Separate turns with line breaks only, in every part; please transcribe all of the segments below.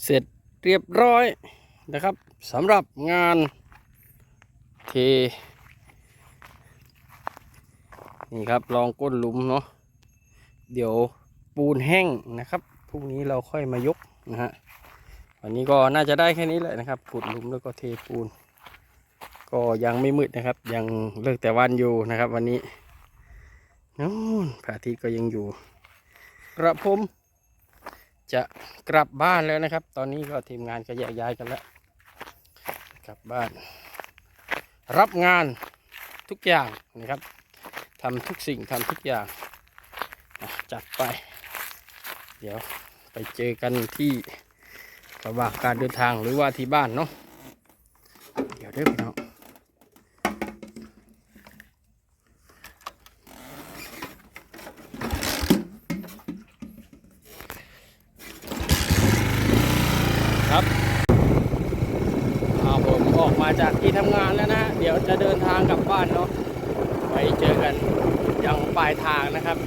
เสร็จเรียบร้อยนะครับสำหรับงานเทนี่ครับลองก้นหลุมเนาะเดี๋ยวปูนแห้งนะครับพรุ่งนี้เราค่อยมายกนะฮะวันนี้ก็น่าจะได้แค่นี้แหละนะครับขุดหลุมแล้วก็เทปูนก็ยังไม่มืดนะครับยังเลิกแต่วันอยู่นะครับวันนี้นู้นพระอาทิตย์ก็ยังอยู่กระผมจะกลับบ้านแล้วนะครับตอนนี้ก็ทีมงานก็แยกย้ายกันแล้วกลับบ้านรับงานทุกอย่างนะครับทำทุกสิ่งทำทุกอย่างจัดไปเดี๋ยวไปเจอกันที่ระหว่างการเดินทางหรือว่าที่บ้านเนาะเดี๋ยวเด้อพี่น้องครับผมออกมาจากที่ทำงานแล้วนะเดี๋ยวจะเดินทางกลับบ้านเนาะไปเจอกันยังปลายทางนะครับ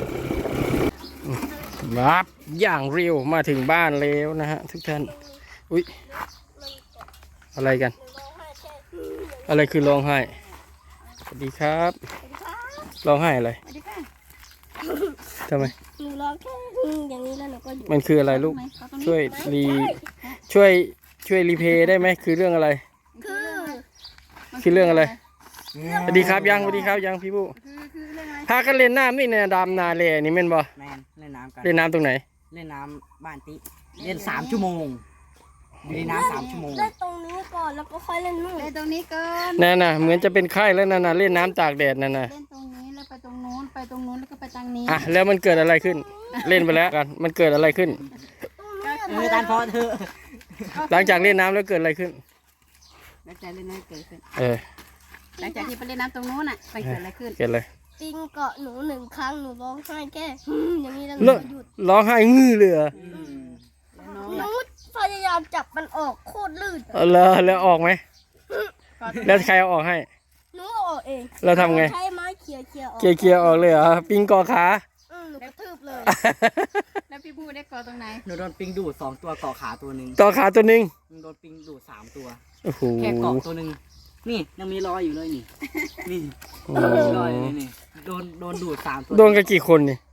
ครับอย่างเร็วมาถึงบ้านแล้วนะฮะทุกท่านอุ๊ยอะไรกันอะไรคือร้องไห้สวัสดีครับร้องไห้อะไรทำไม
หนูร้องแค่อย่างนี้แล้วหนูก็หยุด
มันคืออะไรลูกช่วยรีเพย์ได้ไหมคือเรื่องอะไรคือเรื่องอะไรสวัสดีครับยังสวัสดีครับยังพี่ผู้พากันเล่นน้ำนี่เนี่ยดำนาเลนี่แม่นบ่
แมนเล่นน้ำกัน
เล่นน้ำตรงไหน
เล่นน้ำบ้านติเล่น3 ชั่วโมงอยู่ในน้ำ3 ชั่วโมง
เล่นตรงนี้ก่อนแล้วก็ค่อยเล่นนู่น
เล่นตรงนี้ก่อน
นั่นน่ะเหมือนจะเป็นไข้แล้วนั่นน่ะเล่นน้ำตากแดดนั่นน่ะ
เล่นตรงนี้แล้วไปตรงนู้นไปตรงนู้นแล้วก็ไปทางนี้
แล้วมันเกิดอะไรขึ้นเล่นไปแล้วกันมันเกิดอะไรขึ้น
ตานพอเธอ
หลังจากเล่นน้ำแล้วเกิดอะไรขึ้น
หลังจากเล่นน้ำเกิดขึ้นหลังจากที่ไปเล่นน้ำตรงนู้นน่ะไปเกิดอะไรขึ้น
เกิดอะไร
ปิงเกาะหนู1 ครั้งหนูร้องไห้แค่อย่างนี้แล้วหนูก็หยุด
ร้องไห้งื้อเลย
หนูพยายามจับมันออกโคตรลื่น
แล้วออกไหมแล้วใครเอาออกให้
หนูออกเอง
เราทำไง
ใช้ไม้เขี่ยออก
เขี่ยออกเลยเหรอปิงกอขา
หนูกระทืบเลย
แล้วพี่พูดได้กอตรงไหน
หนูโดนปิงดูด2 ตัวเกาะขาตัวนึง
กอขาตัวนึง
โดนปิงดูด3 ตัว
แ
ค่เกาะตัวนึงนี่ยังมีรอยอยู่เลยนี่มีรอยอยู่นี่โดนดูด3 ตัว
โดนกันกี่คนนี่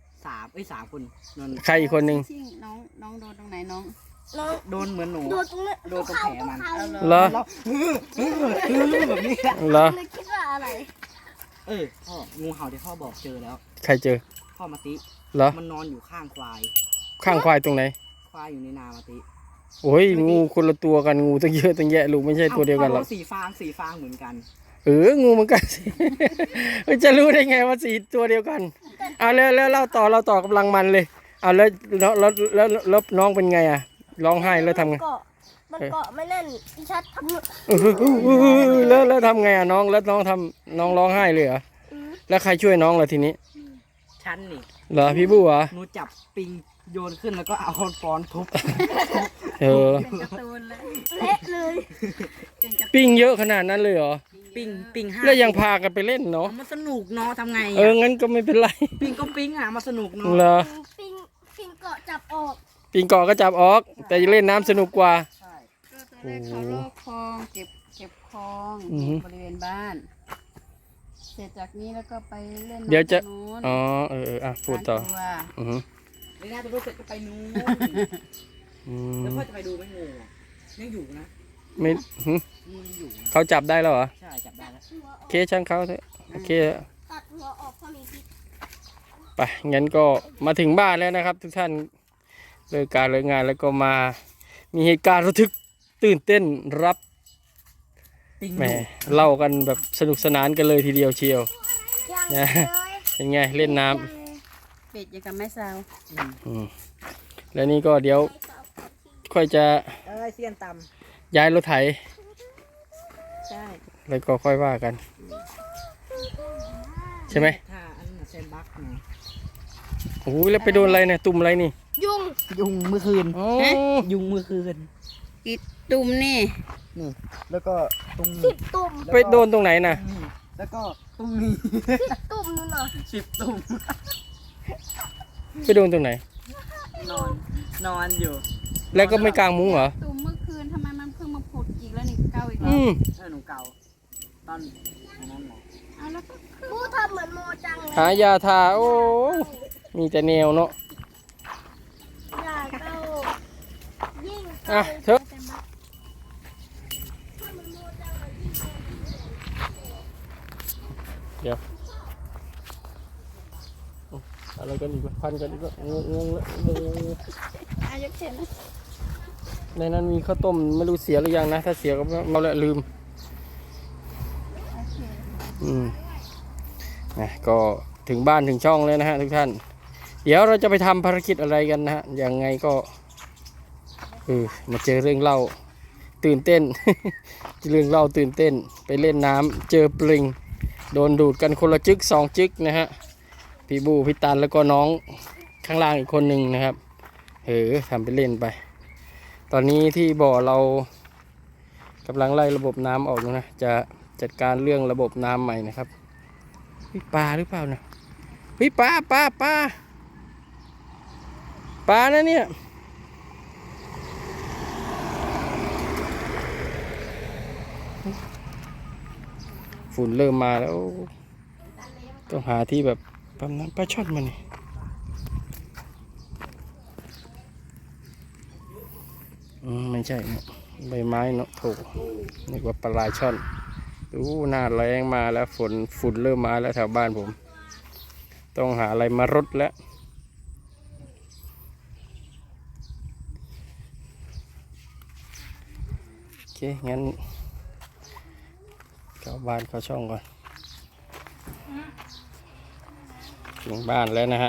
3 คน
ใครอีกคนนึง
น้องโดนตรงไหนน้อง
โดนเหมือนหนู
โดนตรงนี้
โดนตรงแผลมัน
เหรอ
แบบนี้
เหรอ
คิดว่าอะไร
พ่องูเห่าที่พ่อบอกเจอแล้ว
ใครเจอ
พ่อมาติ
เหรอ
มันนอนอยู่ข้างควาย
ตรงไหน
ควายอยู่ในนามาติ
โอ้ยงูคนละตัวกันงูตั้งเยอะตั้งแยะลูกไม่ใช่ตัวเดียวกันหรอก
สีฟางเหมือนกัน
งูเหมือนกันจะรู้ได้ไงว่าสีตัวเดียวกันแล้วเล่าต่อกำลังมันเลยแล้วน้องเป็นไงร้องไห้แล้วทำไง
มันเกาะไม่แน่นพี่ชัดท
ำแล้วทำไงน้องแล้วน้องร้องไห้เลยเหรอแล้วใครช่วยน้องล่ะทีนี้
ฉันนี่
เหรอพี่บู๋เหรอ
หนูจับปิงโยนขึ้นแล้วก็เอาค้อนปอนทุบ
เป็นการ์ตูนเลย
เละเลย
ปิ้งเยอะขนาดนั้นเลยเหรอ
ปิง5
แล้วยังพากันไปเล่นเนาะ
มันสนุกเนาะทำไง
งั้นก็ไม่เป็นไร
ปิงมาสนุกเนาะ
เหรอ
ปิงเกาะจับออก
ปิงเกาะก็จับออกแต่เล่นน้ำสนุกกว่า
ใช่ก็ตอนแรกเขาลอกคลองเก็บคลองบริเวณบ้านเสร็จจากนี้แล้วก็ไปเล่น
เดี๋ยวจะพูดต่อ
ไม่น่าจะรู้เสร็จก็ไปนู้นแล้วพ่อจะไปดูไหมงูยังอยู่นะ
ไม่
อยู่
เขาจับได้แล้วเหรอ
ใช่จับได้แล้ว
เคช่างเขาเถอะโอเค
ตัดหัวออกพอมีพิษ
ไปงั้นก็มาถึงบ้านแล้วนะครับทุกท่านเลิกการเลิกงานแล้วก็มามีเหตุการณ์ระทึกตื่นเต้นรับแหมเล่ากันแบบสนุกสนานกันเลยทีเดียวเชียวนะเป็นไงเล่นน้
ำเป็ดยังกับแม่สาว
แล้วนี่ก็เดี๋ยวค่อยจะ
เสี้ยนต
ย้ายรถไถ
ใช่
แล้วก็ค่อยว่ากันใช่ไหมโอ้ยแล้วไปโดนอะไรเนี่ยตุ่มอะไรนี่
ยุงเมื่อคืนยุงเมื่อคืน
อีตุ่มนี่
แล้วก็ตรง
10 ตุ่ม
ไปโดนตรงไหนน่ะ
แล้วก็ตรงนี้
10 ตุ่มนู่นน่ะ
10 ตุ่ม
ไปโดนตรงไหน
นอนอยู่
แล้วก็ไม่กางมุ้งเหรอ
ตุ่มเมื่อคืนทำไมมันเพิ่งมาผุดอีกแล้วนี่เก้าอีกแล้
อื
ว
ม
หนูเก่าตอนนั้นแหละ
เอาแล้วก็
กูทำเหมือนโมจังเลย
หายาทาโอ้มีแต่แนวเนาะ
อยากเอายิ่ง
อ่ะเถอะเดี๋ยวอะไรกันอีกวะพันกันอีกวะงงแล้ว
อายุเท่าไหร่
ในนั้นมีข้าวต้มไม่รู้เสียหรือยังนะ ถ้าเสียก็เราละลืม นะก็ถึงบ้านถึงช่องแล้วนะฮะทุกท่าน เดี๋ยวเราจะไปทำภารกิจอะไรกันนะฮะยังไงก็มาเจอเรื่องเล่าตื่นเต้น เรื่องเล่าตื่นเต้นไปเล่นน้ำเจอปลิงโดนดูดกันคนละจึก2 จึกนะฮะพี่บูพี่ตันแล้วก็น้องข้างล่างอีกคนหนึ่งนะครับทำไปเล่นไป ตอนนี้ที่บ่อเรากำลังไล่ระบบน้ำออกอยู่นะจะจัดการเรื่องระบบน้ำใหม่นะครับปลาหรือเปล่านะปลานะเนี่ยฝุ่นเริ่มมาแล้วต้องหาที่แบบปั๊มน้ำปลาช่อนมานี่ไม่ใช่เนาะใบไม้เนาะโถนึกว่าปลาช่อนดูหน้าแรงมาแล้วฝุ่นเริ่มมาแล้วแถวบ้านผมต้องหาอะไรมารดแล้วโอเคงั้นเข้าบ้านเข้าช่องก่อนถึงบ้านแล้วนะฮะ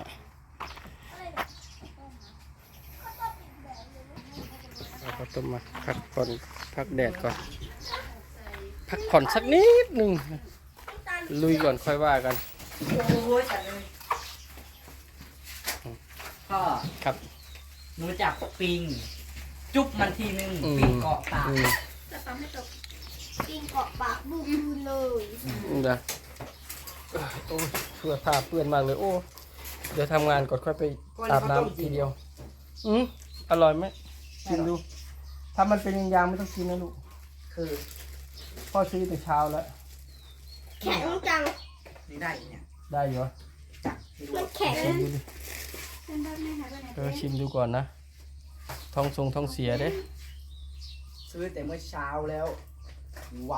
เราก็ต้องมาพักผ่อนพักแดดก่อนพักผ่อนสักนิดหนึ่งลุยก่อนค่อยว่ากัน
โอ้ยจัดเลยพ่อ
ครับ
หนูจับปิง จุ๊บมันทีนึงปิงเกาะปาก
จะทำให้ตกกินเกาะปากบูมเลย
เดี๋ยวโอ้เสื้อผ้าเปื้อนมากเลยโอ้เดี๋ยวทำงานก่อนค่อยไปอาบน้ำทีเดียวอร่อยไหมกินดูถ้ามันเป็นยางๆไม่ต้องกินนะลูก
คือ
พ่อซื้อแต่เช้าแล้ว
แข็งจัง
นี่ได้เนี่ย
ได้อยู่เหรอ
จับไม่รู้
มันแข็ง
ชิมดูดิ
เป็นแบบนี้ค่ะเป็นแบบ
ชิมดูก่อนนะท้องเสียเด้
ซื้อแต่เมื่อเช้าแล้วว้าว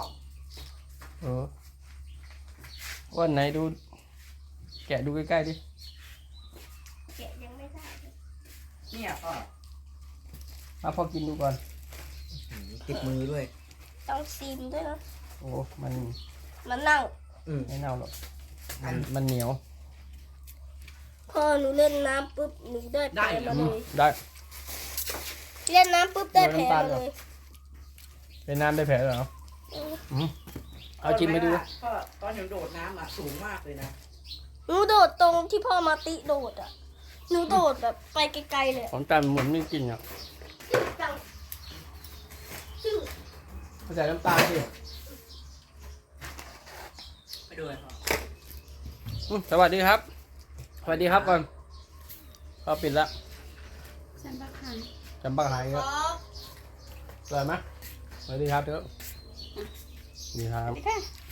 วันไหนดูแกะดูใกล้ๆดิ
แกะยังไม่ได้เลย
เนี่ยพ่อ
มาพ่อกินดูก่อน
ติดมือด้วย
ต้องซีมด้วยนะ
โอ้มัน
มันเน่า
ไม่เน่าหรอกมันเหนียว
พอหนูเล่นน้ำปุ๊บหนูได้แผลมาเลย
ได้
เล่นน้ำปุ๊บได้แผลมาเลย
เป็นน้ำได้แผลเหรอเอาจิ้มไปดู
พ่อตอนหนูโดดน้ำอ่ะสูงมากเลยนะ
หนูโดดตรงที่พ่อมาติโดดอ่ะหนูโดดแบบไปไกลๆเลย
ของจันเหมือนไม่กินอ่ะ
จังซึ่ง
ใส่น้ำตาลสิ
ไปดูเลยพ่อ
สวัสดีครับสวัสดีครับก่อนเขาปิดแล้ว
ฉันบักหัน
จำปักหายครับสวยไหมสวัสดีครับเถอะสวัสดีครับ
นี่ค่ะ